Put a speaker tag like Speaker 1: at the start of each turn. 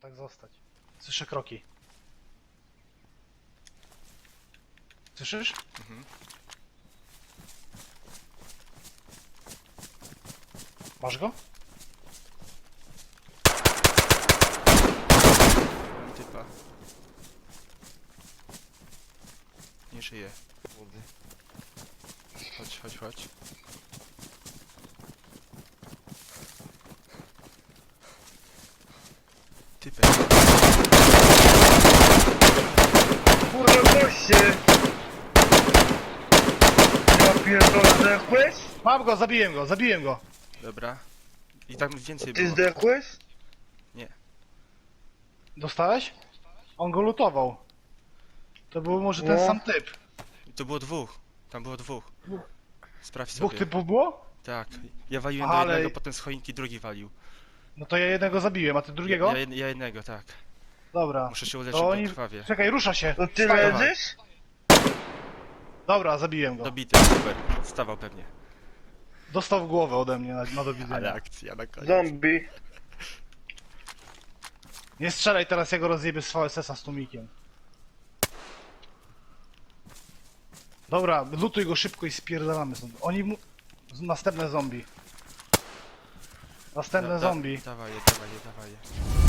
Speaker 1: tak zostać. Słyszę kroki. Słyszysz?
Speaker 2: Mhm.
Speaker 1: Masz go?
Speaker 2: Mam typa. Nie żyje. Młody. Chodź, chodź, chodź. Typek.
Speaker 3: Kurwa goście! Ja pierdolę, zdechłeś?
Speaker 1: Mam go, zabiłem go.
Speaker 2: Dobra. I tam więcej
Speaker 3: Ty
Speaker 2: było.
Speaker 3: zdechłeś?
Speaker 1: Dostałeś? On go lutował. To był może ten
Speaker 3: No.
Speaker 1: sam typ.
Speaker 2: To było dwóch. Tam było dwóch. Sprawdź
Speaker 1: Dwóch
Speaker 2: sobie.
Speaker 1: typów było?
Speaker 2: Tak. Ja waliłem
Speaker 1: Aha,
Speaker 2: do
Speaker 1: ale-
Speaker 2: jednego, potem z choinki drugi walił.
Speaker 1: No to ja jednego zabiłem, a ty drugiego?
Speaker 2: Ja jednego, tak.
Speaker 1: Dobra.
Speaker 2: Muszę się uleczyć,
Speaker 1: To
Speaker 2: bo
Speaker 1: oni...
Speaker 2: krwawie.
Speaker 1: Czekaj, rusza się.
Speaker 3: To ty
Speaker 1: Wstaje.
Speaker 3: leżysz?
Speaker 1: Dobra, zabiłem go.
Speaker 2: Dobity, super. Stawał pewnie.
Speaker 1: Dostał w głowę ode mnie na do widzenia.
Speaker 2: Ale akcja na koniec.
Speaker 3: Zombie.
Speaker 1: Nie strzelaj teraz, ja go rozjebię z VSS-a z tłumikiem. Dobra, lutuj go szybko i spierdalamy stąd. Oni mu... Następne zombie. Następne zombie.
Speaker 2: Dawaj je.